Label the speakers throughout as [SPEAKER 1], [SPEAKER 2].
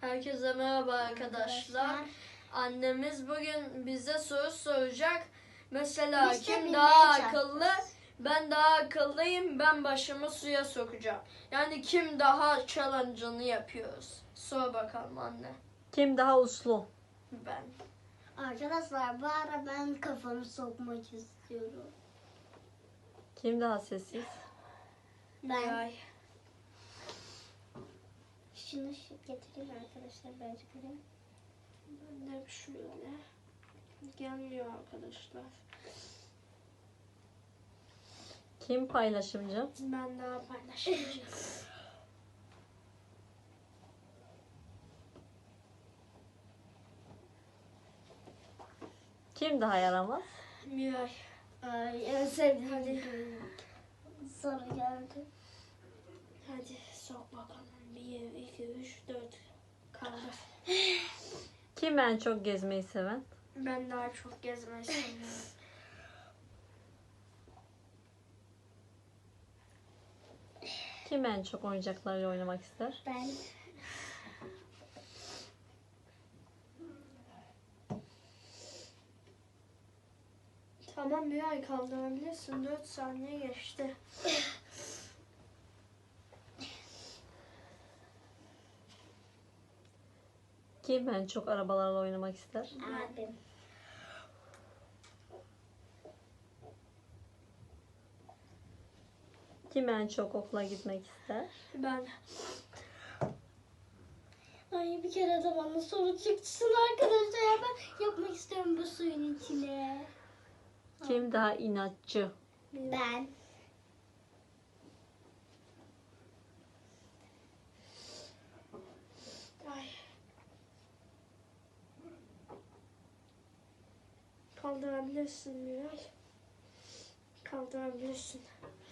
[SPEAKER 1] Herkese merhaba arkadaşlar. Annemiz bugün bize soru soracak. Mesela
[SPEAKER 2] Biz de
[SPEAKER 1] kim
[SPEAKER 2] bilmeye
[SPEAKER 1] daha
[SPEAKER 2] çalışacağız.
[SPEAKER 1] akıllı? Ben daha akıllıyım. Ben başımı suya sokacağım. Yani kim daha challenge'ını yapıyoruz. Sor bakalım anne.
[SPEAKER 3] Kim daha uslu?
[SPEAKER 1] Ben.
[SPEAKER 2] Arkadaşlar bu ara ben kafamı sokmak istiyorum.
[SPEAKER 3] Kim daha sessiz?
[SPEAKER 2] Ben-
[SPEAKER 1] Miray.
[SPEAKER 2] Şunu getireyim arkadaşlar bence buraya.
[SPEAKER 1] Ben de şöyle. Gelmiyor arkadaşlar.
[SPEAKER 3] Kim paylaşımcı?
[SPEAKER 1] Ben daha paylaşmayacağım.
[SPEAKER 3] Kim daha yaramaz?
[SPEAKER 1] Miray.
[SPEAKER 2] Ay en sevdiğim hadi. Soru geldi.
[SPEAKER 1] Hadi sok bakalım. 1, 2, 3, 4. Kaldır.
[SPEAKER 3] Kim en çok gezmeyi seven?
[SPEAKER 1] Ben daha çok gezmeyi seviyorum.
[SPEAKER 3] Kim en çok oyuncaklarla oynamak ister?
[SPEAKER 2] Ben
[SPEAKER 1] Tamam bir ay kaldırabilirsin. 4 saniye geçti.
[SPEAKER 3] Kim en çok arabalarla oynamak ister?
[SPEAKER 2] abim.
[SPEAKER 3] Kim en çok okula gitmek ister?
[SPEAKER 1] Ben.
[SPEAKER 2] Ay bir kere de bana soru çıksın arkadaşlar. Ya ben yapmak istiyorum bu suyun içine.
[SPEAKER 3] Kim daha inatçı?
[SPEAKER 2] Ben.
[SPEAKER 1] Ay. Kaldırabilirsin Miray. Kaldırabilirsin.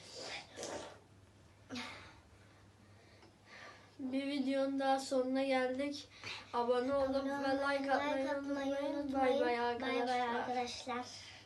[SPEAKER 1] Bir videonun daha sonuna geldik. Abone olup ve like atmayı unutmayın. Bay bay
[SPEAKER 2] Bay bay
[SPEAKER 1] arkadaşlar.
[SPEAKER 2] arkadaşlar.